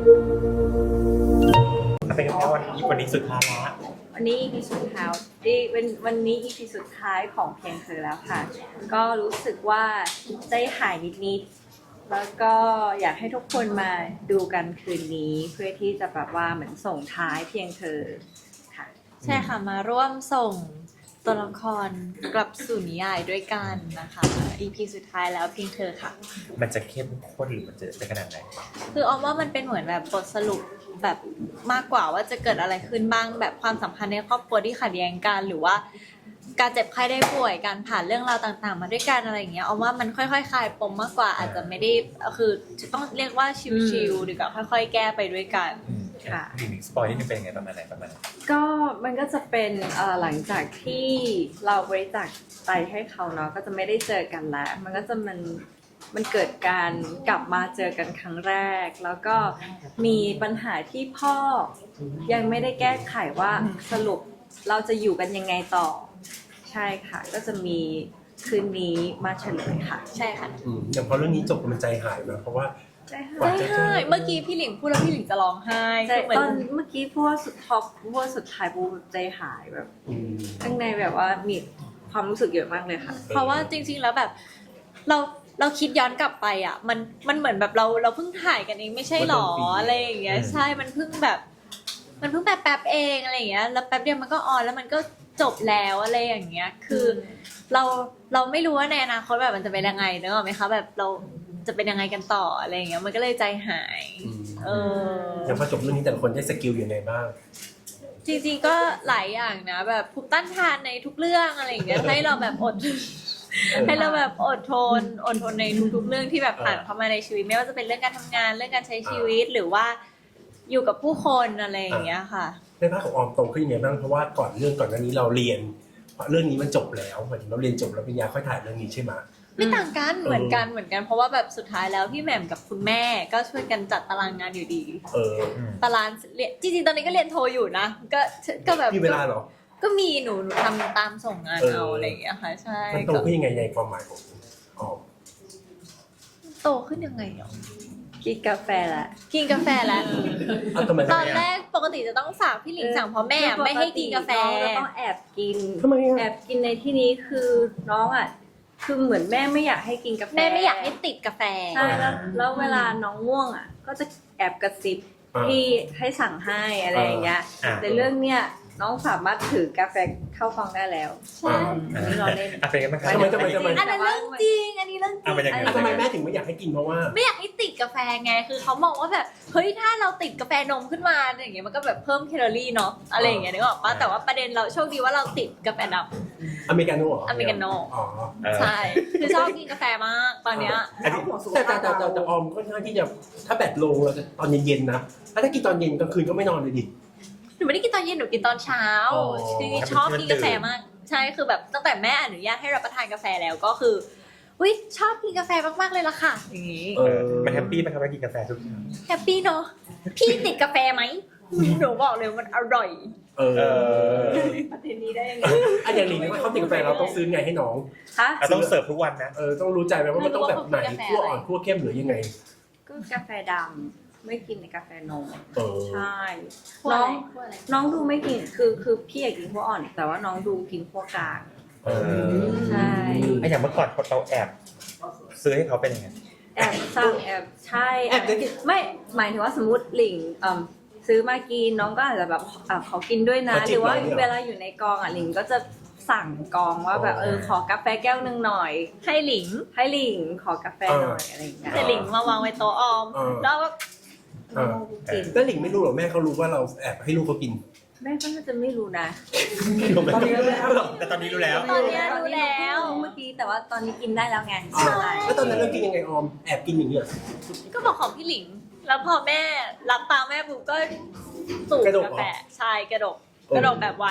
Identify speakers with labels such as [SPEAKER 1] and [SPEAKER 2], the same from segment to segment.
[SPEAKER 1] เป็นไงวันนี้สุดท้ายละ
[SPEAKER 2] วันนี้ EP สุดท้ายวันนี้ EP สุดท้ายของเพียงเธอแล้วค่ะก็รู้สึกว่าใจหายนิดๆแล้วก็อยากให้ทุกคนมาดูกันคืนนี้เพื่อที่จะแบบว่าเหมือนส่งท้ายเพียงเธอค่ะ
[SPEAKER 3] ใช่ค่ะมาร่วมส่งตัวละครกลับสู่นิยายด้วยกันนะคะ EP สุดท้ายแล้วเพียงเธอค่ะ
[SPEAKER 1] มันจะเข้มข้นหรือมันจะเป็นขนาดไหน
[SPEAKER 3] คือออมว่ามันเป็นเหมือนแบบบทสรุปแบบมากกว่าว่าจะเกิดอะไรขึ้นบ้างแบบความสัมพันธ์ในครอบครัวที่ขัดแย้งกันหรือว่าการเจ็บไข้ได้ป่วยการผ่านเรื่องราวต่างๆมาด้วยกันอะไรอย่างเงี้ยออมว่ามันค่อยๆคลายปมมากกว่าอาจจะไม่ได้คือต้องเรียกว่าชิลๆหรือกับค่อยๆแก้ไปด้วยกัน
[SPEAKER 2] ค่ะ
[SPEAKER 1] อีกสปอยนี่เป็นยังไงประมาณไหน
[SPEAKER 2] ก็มันก็จะเป็นหลังจากที่เราบริจาคไตให้เขาเนาะก็จะไม่ได้เจอกันแล้วมันก็จะมันเกิดการกลับมาเจอกันครั้งแรกแล้วก็มีปัญหาที่พ่อยังไม่ได้แก้ไขว่าสรุปเราจะอยู่กันยังไงต่อใช่ค่ะก็จะมีคืนนี้มาเฉลยค่ะ
[SPEAKER 3] ใช่ค่ะ
[SPEAKER 4] อย่างพอเรื่องนี้จบมันใจหายนะเพราะว่า
[SPEAKER 2] ใช่
[SPEAKER 3] เมื่อกี้พี่หลิงพูดแล้วพี่หลิงจะร้องไห้
[SPEAKER 2] ตอนเมื่อกี้พูดว่าสุดท็อปพูดว่าสุดท้ายพูดใจหายแบบข้างในแบบว่ามีความรู้สึกเยอะมากเลยค่ะ
[SPEAKER 3] เพราะว่าจริงๆแล้วแบบเราคิดย้อนกลับไปอ่ะมันเหมือนแบบเราเพิ่งถ่ายกันเองไม่ใช่หรออะไรอย่างเงี้ยใช่มันเพิ่งแบบแป๊บเองอะไรอย่างเงี้ยแล้วแป๊บเดียวมันก็ออนแล้วมันก็จบแล้วอะไรอย่างเงี้ยคือเราไม่รู้ว่าในอนาคตแบบมันจะเป็นยังไงนึกออกไหมคะแบบเราจะเป็นยังไงกันต่ออะไรอย่างเงี้ยมันก็เลยใจหาย
[SPEAKER 4] อย่างพอจบเรื่องนี้แต่ละคนได้สกิลยังไงบ้าง
[SPEAKER 3] จริงๆก็หลายอย่างนะแบบภูมิต้านทานในทุกเรื่องอะไรอย่างเงี้ยให้เราแบบให้เราแบบอดทนในทุกๆเรื่องที่แบบผ่านเข้ามาในชีวิตไม่ว่าจะเป็นเรื่องการทำงานเรื่องการใช้ชีวิตหรือว่าอยู่กับผู้คนอะไรอย่างเงี้ยค่ะ
[SPEAKER 4] ในภาคของออมโตขึ้นยังไงบ้างเพราะว่าก่อนหน้านี้เราเรียนเรื่องนี้มันจบแล้วหมายถึงเราเรียนจบแล้วปริญญาค่อยถ่ายเรื่องนี้ใช่ไหม
[SPEAKER 3] ไม่ต่างกันเหมือนกันเพราะว่าแบบสุดท้ายแล้วพี่แหม่มกับคุณแม่ก็ช่วยกันจัดตารางงานอยู่ดีตารางเรียนจริงๆตอนนี้ก็เรียนโทอยู่นะก็แบบ
[SPEAKER 4] มีเวลาหรอ
[SPEAKER 3] ก็มีหนูทำตามส่งงานเอาอะไรอย่างเงี้ยค่ะใช่
[SPEAKER 4] มันโตขึ้นยังไงในความหมายของออม
[SPEAKER 3] โตขึ้นยังไงอ่ะ
[SPEAKER 2] กินกาแฟละ
[SPEAKER 3] ตอนแรกปกติจะต้องฝากพี่หลิงสั่งเพราะแม่ไม่ให้กินกาแฟ
[SPEAKER 2] ต้องแอบกิน
[SPEAKER 4] ทำไม
[SPEAKER 2] แอบกินในที่นี้คือน้องอ่ะคือเหมือนแม่ไม่อยากให้กินกาแฟ
[SPEAKER 3] แม่ไม่อยากให้ติดกาแฟ
[SPEAKER 2] ใช่แล้วเวลาน้องง่วงอ่ะก็จะแอบกระซิบที่ให้สั่งให้อะไรอย่างเงี้ยแต่เรื่องเนี้ยน้องสามารถถือกาแฟเข้าฟองได้แล้ว
[SPEAKER 3] ใช่
[SPEAKER 2] อันนี้เราเล่น
[SPEAKER 1] เป็นกันไหมครับ
[SPEAKER 4] ทำไม
[SPEAKER 3] อันนั้นเรื่องจริงอันนี้เรื่องจริง
[SPEAKER 4] ทำไมแม่ถึงไม่อยากให้กินเพราะว่า
[SPEAKER 3] ไม่อยากให้ติดกาแฟไงคือเขามองว่าแบบเฮ้ยถ้าเราติดกาแฟนมขึ้นมาอย่างเงี้ยมันก็แบบเพิ่มแคลอรี่เนาะอะไรอย่างเงี้ยนึกออกปะแต่ว่าประเด็นเราโชคดีว่าเราติดกาแฟดำ
[SPEAKER 4] อเมริกาโน่
[SPEAKER 3] อเมริกาโน่
[SPEAKER 4] อ๋อ
[SPEAKER 3] ใช่คือชอบกินกาแฟมากตอนเนี้ย
[SPEAKER 4] แต่ออมก็ค่อนข้างที่จะถ้าแบตลงเราจะตอนเย็นๆนะถ้ากินตอนเย็นกลางคืนก็ไม่นอนเลยดิ
[SPEAKER 3] หนูไม่ได้กินตอนเย็นหนูกินตอนเช้าคือชอบกินกาแฟมากใช่คือแบบตั้งแต่แม่อนุญาตให้รับประทานกาแฟแล้วก็คืออุ้ยชอบกินกาแฟมากๆเลยล่ะค่ะอย่างงี้
[SPEAKER 1] มันแฮปปี้ไหมครับว่ากินกาแฟทุกเช้า
[SPEAKER 3] แฮปปี้เนาะพี่ติดกาแฟไหมหนูบอกเลยมันอร่อย
[SPEAKER 2] ประเด็นนี้ได้ยังไง
[SPEAKER 4] อย่างนี้ว่าเขาติดกาแฟเราต้องซื้อไงให้น้อง
[SPEAKER 1] เราต้องเสิร์ฟทุกวันนะ
[SPEAKER 4] ต้องรู้ใจไหมว่ามันต้องแบบไหนคั่วอ่อนคั่วเข้มหรือยังไง
[SPEAKER 2] ก็กาแฟดำไม่กินในกาแฟนมใช่น้องดูไม่กินคือพี่อยากกินขั้วอ่อนแต่ว่าน้องดูกินขั้วกลางใช่
[SPEAKER 1] อย่างเมื่อก่อนเราแอบซื้อให้เขาเป็นยังไง
[SPEAKER 2] แอบสั่งแอบใช่แอบไม่หมายถึงว่าสมมติหลิงซื้อมากินน้องก็อาจจะแบบขอกินด้วยนะหรือว่าเวลาอยู่ในกองหลิงก็จะสั่งกองว่าแบบขอกาแฟแก้วนึงหน่อย
[SPEAKER 3] ให้หลิง
[SPEAKER 2] ขอกาแฟหน่อยอะไรอย่างเงี้ย
[SPEAKER 3] แต่หลิงมาวางไว้โต๊ะออมแล้วก็
[SPEAKER 4] แล้วหลิงไม่รู้หรอแม่เขารู้ว่าเราแอบให้ลูกเขากิน
[SPEAKER 2] แม่ก็น่าจะไม่รู้นะ
[SPEAKER 4] ตอนนี้รู้แล้ว
[SPEAKER 1] แต่ตอนนี้รู้แล้ว
[SPEAKER 3] เ
[SPEAKER 2] มื่อกี้แต่ว่าตอนนี้กินได้แล้วไง
[SPEAKER 4] แล้วตอนนั้นเรากินยังไงออมแอบกินอย่างเงี้ย
[SPEAKER 3] ก็บอกของพี่หลิงแล้วพอแม่รับตามแม่ปุ๊บก็สูบกาแฟใช่กระดกแบบไว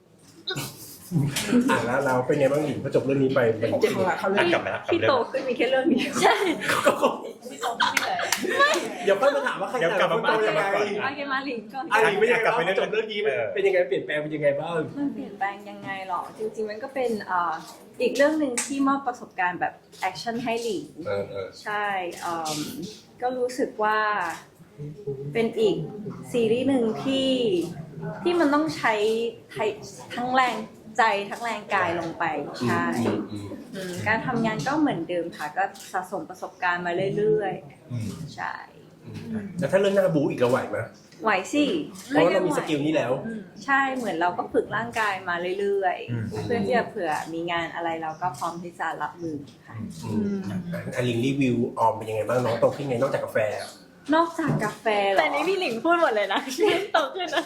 [SPEAKER 4] แล้วเราเป็นไงบ้างหลิงพอจบเรื่องนี้ไป
[SPEAKER 1] เจ็บเขาเรื่องกลับมา
[SPEAKER 2] พี่โตขึ้นมีแค่เรื่องนี้
[SPEAKER 3] ใช่
[SPEAKER 2] พี่โตขึ้นเลย
[SPEAKER 4] เดี๋ยวค่อยมาถามว่าใคร
[SPEAKER 1] กลับมา
[SPEAKER 4] โตยังไง
[SPEAKER 2] มาหลิงก่อน
[SPEAKER 4] หลิงไม่ยังกลับไปจบเรื่องนี้เป็นยังไงเปลี่ยนแปลงเป็นยังไงบ้าง
[SPEAKER 2] มันเปลี่ยนแปลงยังไงหรอจริงๆมันก็เป็นอีกเรื่องหนึ่งที่มอบประสบการณ์แบบแอคชั่นให้หลิงใช่ก็รู้สึกว่าเป็นอีกซีรีส์หนึ่งที่มันต้องใช้ทั้งแรงใจทั้งแรงกายลงไปใช่การทำงานก็เหมือนเดิมค่ะก็สะสมประสบการณ์มาเรื่อยๆใช่
[SPEAKER 4] แล้วถ้าเรื่องหน้าบูอีกเราไหวไหม
[SPEAKER 2] ไหวสิ
[SPEAKER 4] เพราะเรามีสกิลนี้แล้ว
[SPEAKER 2] ใช่เหมือนเราก็ฝึกร่างกายมาเรื่อยๆเพื่อที่จะเผื่อมีงานอะไรเราก็พร้อมที่จะรับมือค่ะ
[SPEAKER 4] อลิงรีวิวออมเป็นยังไงบ้างน้องโตขึ้นไงนอกจากกาแฟ
[SPEAKER 2] นอกจากกาแฟเหรอ
[SPEAKER 3] แต่นี้พี่หลิงพูดหมดเลยนะโตขึ้นนะ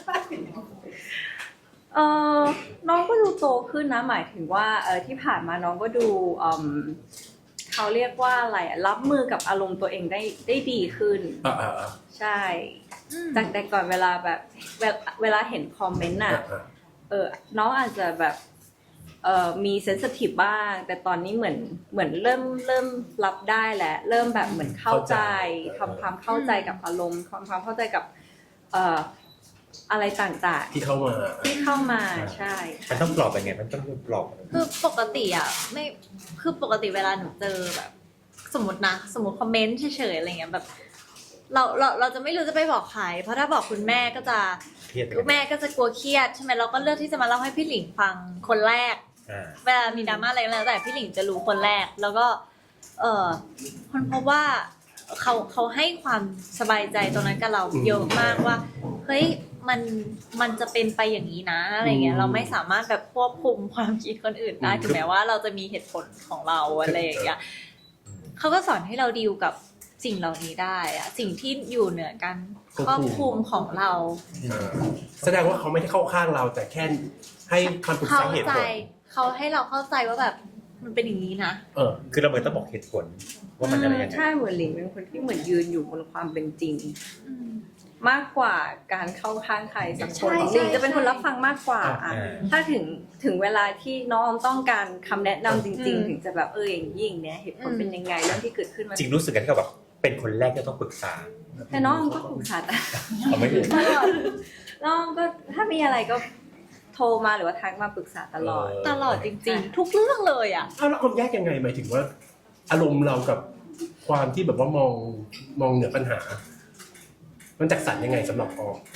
[SPEAKER 2] น้องก็ดูโตขึ้นนะหมายถึงว่าที่ผ่านมาน้องก็ดูเขาเรียกว่าอะไรรับมือกับอารมณ์ตัวเองได้ดีขึ้นใช่จากแต่ก่อนเวลาแบบเวลาเห็นคอมเมนต์น่ะน้องอาจจะแบบมีเซนซิทีฟบ้างแต่ตอนนี้เหมือนเริ่มรับได้แหละเริ่มแบบเหมือนเข้าใจทำความเข้าใจกับอารมณ์ความเข้าใจกับอะไรต่างๆ
[SPEAKER 4] ที่เข้า
[SPEAKER 2] มาใช่
[SPEAKER 1] มันต้องปลอบยังไงมันต้องปลอบ
[SPEAKER 3] คือปกติอ่ะไม่คือปกติเวลาหนูเจอแบบ สมมติคอมเมนต์เฉยๆอะไรเงี้ยแบบเราจะไม่รู้จะไปบอกใครเพราะถ้าบอกคุณแม่ก็จะคุณแม่ก็จะกลัวเครียดใช่ไหมเราก็เลือกที่จะมาเล่าให้พี่หลิงฟังคนแรกเวลามีดราม่าอะไรก็แล้วแต่พี่หลิงจะรู้คนแรกแล้วก็คนพบว่าเขาให้ความสบายใจตรงนั้นกับเราเยอะมากว่าเฮ้ยมันจะเป็นไปอย่างนี้นะอะไรเงี้ยเราไม่สามารถแบบควบคุมความคิดคนอื่นได้ถึงแม้ว่าเราจะมีเหตุผลของเราอะไรอย่างเงี้ยเขาก็สอนให้เราดีลกับสิ่งเหล่านี้ได้อะสิ่งที่อยู่เหนือการควบคุมของเรา
[SPEAKER 4] แสดงว่าเขาไม่ได้เข้าข้างเราแต่แค่ให้คำปรึกษาเหตุผล
[SPEAKER 3] เขาให้เราเข้าใจว่าแบบมันเป็นอย่างนี้นะ
[SPEAKER 1] คือเราเหมือนต้องบอกเหตุผลว่ามันอะไรยังไง
[SPEAKER 2] ใช่เหมือนหลิงเป็นคนที่เหมือนยืนอยู่บนความเป็นจริงมากกว่าการเข้าข้างใครสักคนหลิงจะเป็นคนรับฟังมากกว่าถ้าถึงเวลาที่น้องต้องการคำแนะนำจริงๆถึงจะแบบอย่างยิ่งเนี้ยเหตุผลเป็นยังไงเรื่องที่เกิดขึ้นมา
[SPEAKER 1] จริงรู้สึกกันที่เขาแบบเป็นคนแรกที่ต้องปรึกษา
[SPEAKER 2] แต่น้องก็ปรึกษา
[SPEAKER 1] ไม่ถูก
[SPEAKER 2] น้องก็ถ้ามีอะไรก็โทรมาหรือว่าทักมาปรึกษาตลอดจริงๆ
[SPEAKER 3] ทุกเรื่องเลยอ่ะ
[SPEAKER 4] แล้วความแยกยังไงหมายถึงว่าอารมณ์เรากับความที่แบบว่ามองเหนือปัญหามันจัดสรรยังไงสำหรับออม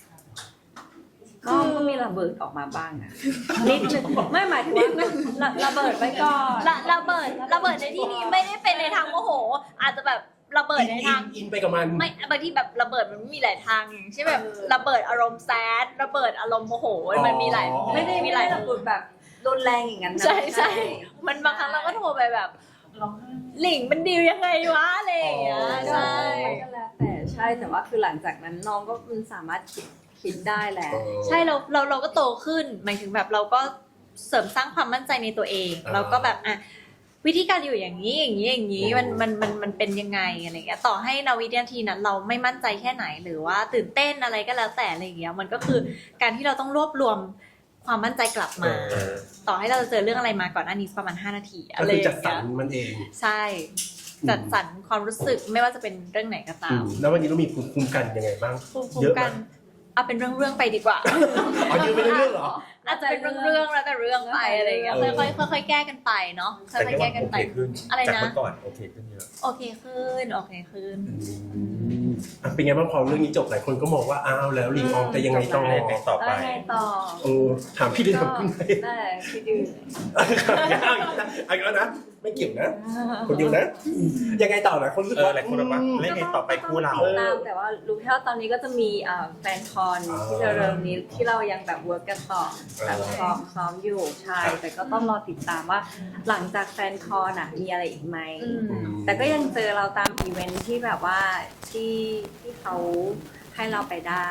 [SPEAKER 2] ก็มีระเบิดออกมาบ้างนะนิดนึงไม่หมายถึงว่าระเบิดไว้ก่อน
[SPEAKER 3] ระเบิดในที่นี้ไม่ได้เป็นในทางโมโหอาจจะแบบระเบิดในทาง
[SPEAKER 4] อินไปกับมัน
[SPEAKER 3] ไม่บางทีแบบระเบิดมันมีหลายทางใช่แบบระเบิดอารมณ์แซดระเบิดอารมณ์โมโหมันมีหลาย
[SPEAKER 2] ไม่ได้มีหลายระเบิดแบบรุนแรงอย่างนั้น
[SPEAKER 3] นะใช่มันบางครั้งเราก็โทรไปแบบหลิงมันดีลยังไงวะอะไรอย่างเงี้ยใช่
[SPEAKER 2] ก็แล้วแต่ใช่แต่ว่าคือหลังจากนั้นน้องก็มันสามารถคิดได้แหละ
[SPEAKER 3] ใช่เราก็โตขึ้นหมายถึงแบบเราก็เสริมสร้างความมั่นใจในตัวเองเราก็แบบวิธีการอยู่อย่างนี้มันเป็นยังไงอะไรเงี้ยต่อให้ณวินาทีนั้นเราไม่มั่นใจแค่ไหนหรือว่าตื่นเต้นอะไรก็แล้วแต่อะไรเงี้ยมันก็คือการที่เราต้องรวบรวมความมั่นใจกลับมาต่อให้เราจะเจอเรื่องอะไรมาก่อนหน้านี้ประมาณ5 นาทีอะไรอย่างเงี้ย
[SPEAKER 4] จัดสรรมันเอง
[SPEAKER 3] ใช่จัดสรรความรู้สึกไม่ว่าจะเป็นเรื่องไหนก็ตาม
[SPEAKER 4] แล้ววันนี้เรามีภูมิคุ้มกันยังไงบ้าง
[SPEAKER 3] เยอะมั้ยเอาเป็นเรื่องๆไปดีกว่า
[SPEAKER 4] ยืนเป็นเรื่องเหรอ
[SPEAKER 3] อาจจะเป็นเรื่องแล้วแต่เรื่องไปอะไรอย่างเงี้ยค่อยๆแก้กันไปเนาะค่อยๆแก้กันไป
[SPEAKER 1] อะไรนะจากเมื่อก่อนโอเคขึ้นเยอะ
[SPEAKER 3] โอเคขึ้น
[SPEAKER 4] เป็นไงบ้างพอเรื่องนี้จบหลายคนก็มองว่าอ้าวแล้วลิงออมแต่ยังไงต่
[SPEAKER 1] อไป
[SPEAKER 4] ถามพี่ดื้อกับคุณ
[SPEAKER 2] ได้พี่ดื้อ
[SPEAKER 4] เอาแล้วนะไม่เกี่ยวนะคนเดียวนะยังไงต่อนะคนรู้สึกว่า
[SPEAKER 1] หลายคนบอกว่าเล่นไงต่อไปคู่เรา
[SPEAKER 2] แต่ว่ารู้แค่ว่าตอนนี้ก็จะมีแฟนคอนที่เร็วๆนี้ที่เรายังแบบเวิร์กกันต่อแบบซ้อมอยู่ใช่แต่ก็ต้องรอติดตามว่าหลังจากแฟนคอนมีอะไรอีกไหมแต่ก็ยังเจอเราตามอีเวนท์ที่แบบว่าที่เขาให้เราไปได้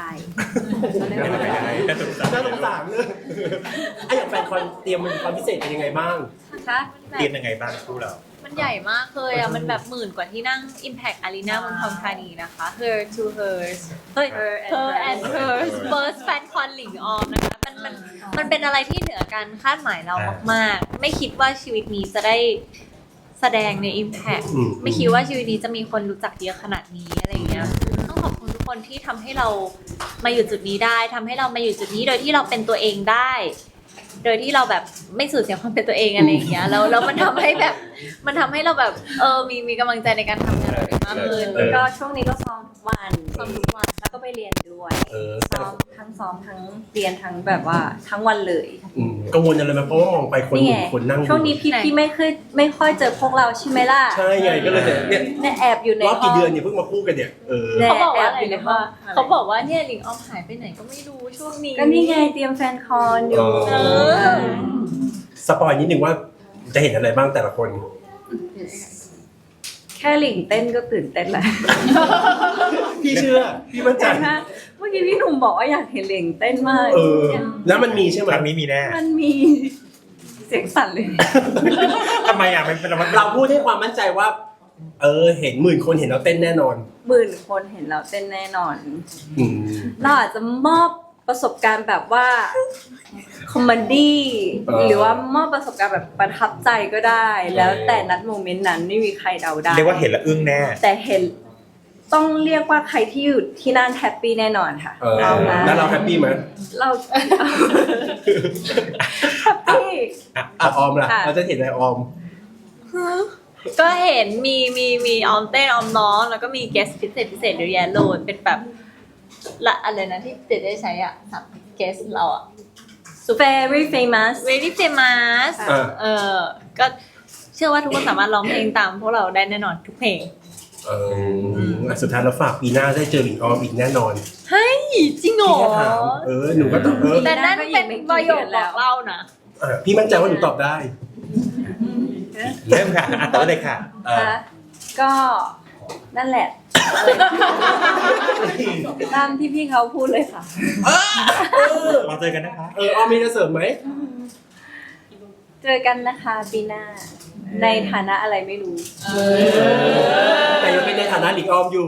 [SPEAKER 4] น่าสงสารเลยอย่างแฟนคอนเตรียมมันความพิเศษเป็นยังไงบ้าง
[SPEAKER 1] เตรียมยังไงบ้างคู่เรา
[SPEAKER 3] มันใหญ่มากเลยมันแบบ10,000 กว่าที่นั่ง Impact Arena เมืองทองธานีนะคะ Her to Hers Her and Hers First Fan Con หลิงออมนะคะมันเป็นอะไรที่เหนือการคาดหมายเรามากๆไม่คิดว่าชีวิตนี้จะได้แสดงใน Impact ไม่คิดว่าชีวิตนี้จะมีคนรู้จักเยอะขนาดนี้อะไรอย่างเงี้ยต้องขอบคุณทุกคนที่ทำให้เรามาอยู่จุดนี้ได้ทำให้เรามาอยู่จุดนี้โดยที่เราเป็นตัวเองได้โดยที่เราแบบไม่สูญเสียความเป็นตัวเองอะไรอย่างเงี้ยแล้วมันทำให้แบบมันทำให้เราแบบมีกำลังใจในการทำงานมากขึ้น
[SPEAKER 2] ก็ช่วงนี้ก็ซ้อมทุกวัน
[SPEAKER 3] ซ้อมทุกวัน
[SPEAKER 2] แล้วก็ไปเรียนด้วย
[SPEAKER 4] แต่
[SPEAKER 2] ซ้อมทั้งเรียนทั้งแบบว่าทั้งวันเลย
[SPEAKER 4] กังวลอะไรไหมเพราะว่ามองไปคน
[SPEAKER 2] นี่
[SPEAKER 4] ห
[SPEAKER 2] ไง
[SPEAKER 4] นึ่งคนนั่ง
[SPEAKER 2] ช่วงนี้พี่ไม่ค่อยเจอพวกเราใช่ไหมล่ะ
[SPEAKER 4] ใช่ไงก็เลยเนี่ย
[SPEAKER 2] เนี่ยแอบอยู่ใน
[SPEAKER 4] รอบ
[SPEAKER 2] ห้
[SPEAKER 4] กี่
[SPEAKER 2] อง
[SPEAKER 4] เดือนเนี่ยเพิ่งมาพูดกันเนี่ย
[SPEAKER 2] เนี่ย
[SPEAKER 3] เขาบอกว่าอะไร
[SPEAKER 2] แอบอยู่ใน
[SPEAKER 3] นะ
[SPEAKER 2] ห้อ
[SPEAKER 3] ว่าง เขาบอกว่าเนี่ยหลิงออมหายไปไหนก็ไม่รู้ช่วงนี้
[SPEAKER 2] ก็นี่ไงเตรียมแฟนคอนอยู่
[SPEAKER 3] เออ
[SPEAKER 4] สปอยนิดนึงว่าจะเห็นอะไรบ้างแต่ละคน
[SPEAKER 2] แค่หลิงเต้นก็ตื่นเต้นแล้ว
[SPEAKER 4] พี่เชื่อพี่มั่นใจ
[SPEAKER 2] แต่ถ้าเมื่อกี้พี่หนุ่มบอกว่าอยากเห็นหลิงเต้นมาก
[SPEAKER 4] แล้วมันมีใช่ไหม
[SPEAKER 1] ครั้งนี้มีแน่
[SPEAKER 2] มันมีเสียงสั่นเลย
[SPEAKER 1] ทำไมอ่ะมันเป็น
[SPEAKER 4] เราพูดให้ความมั่นใจว่า เห็นหมื่นคนเห็นเราเต้นแน่นอน
[SPEAKER 2] 10,000 คนเห็นเราเต้นแน่นอน
[SPEAKER 4] อืม
[SPEAKER 2] เราอาจจะมอบประสบการณ์แบบว่าคอมเมดี้ หรือว่ามอบประสบการณ์แบบประทับใจก็ได้ แล้วแต่นัดโมเมนต์นั้นไม่มีใครเดาได้
[SPEAKER 1] เรียกว่าเห็นแล้วอึ้งแน่
[SPEAKER 2] แต่เห็นต้องเรียกว่าใครที่อยู่ที่นั่นแฮปปี้แน่นอนค่ะ
[SPEAKER 4] แล้วเราแฮปปี้ไหม
[SPEAKER 2] เราแฮปปี้
[SPEAKER 4] ออมล่ะ
[SPEAKER 2] ค่ะ
[SPEAKER 4] เราจะเห็นอะไรออม
[SPEAKER 3] ก็เห็นมีออมเต้นออมน้องแล้วก็มีเกสพิเศษเยอะแยะเลยเป็นแบบละอะไรนะที่เจได้ใช้อ่ะสามเกสเราอ่ะ
[SPEAKER 2] very famous
[SPEAKER 3] very famous ก็เชื่อว่าทุกคนสามารถร้องเพลงตามพวกเราได้แน่นอนทุกเพลง
[SPEAKER 4] สุดท้ายเราฝากปีหน้าได้เจอหลิงออมอีกแน่นอน
[SPEAKER 3] เฮ้ยจริงเหร
[SPEAKER 4] พี่
[SPEAKER 3] อ
[SPEAKER 4] แค่ถามหนูก็ตอบ
[SPEAKER 3] แต่นั่นเป็นประโยคบอกเล่านะ
[SPEAKER 4] พี่มั่นใจว่าหนูตอบได้
[SPEAKER 1] เริ่มค่ะต่อเลยค่ะ
[SPEAKER 2] ค่ะก็นั่นแหละ ตามที่พี่เขาพูดเลยค่ะ
[SPEAKER 1] เราเจอกันนะคะ
[SPEAKER 4] ออมมีจะเสริมไหม
[SPEAKER 2] เจอกันนะคะปีหน้า ในฐานะอะไรไม่รู้
[SPEAKER 4] แต่ยังเป็นในฐานะหลิงออมอยู่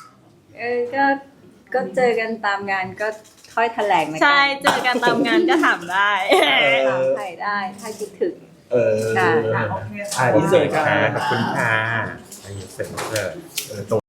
[SPEAKER 2] ก็เจอกันตามงานก็ค่อยแถลงนะ
[SPEAKER 3] ใช่เจอกันตามงานก็ถามได้
[SPEAKER 2] ถามใครได้ถ้าคิดถึง
[SPEAKER 4] อินเสิร์ตค่ะ
[SPEAKER 1] ขอบคุณค่ะอินเสิร์ต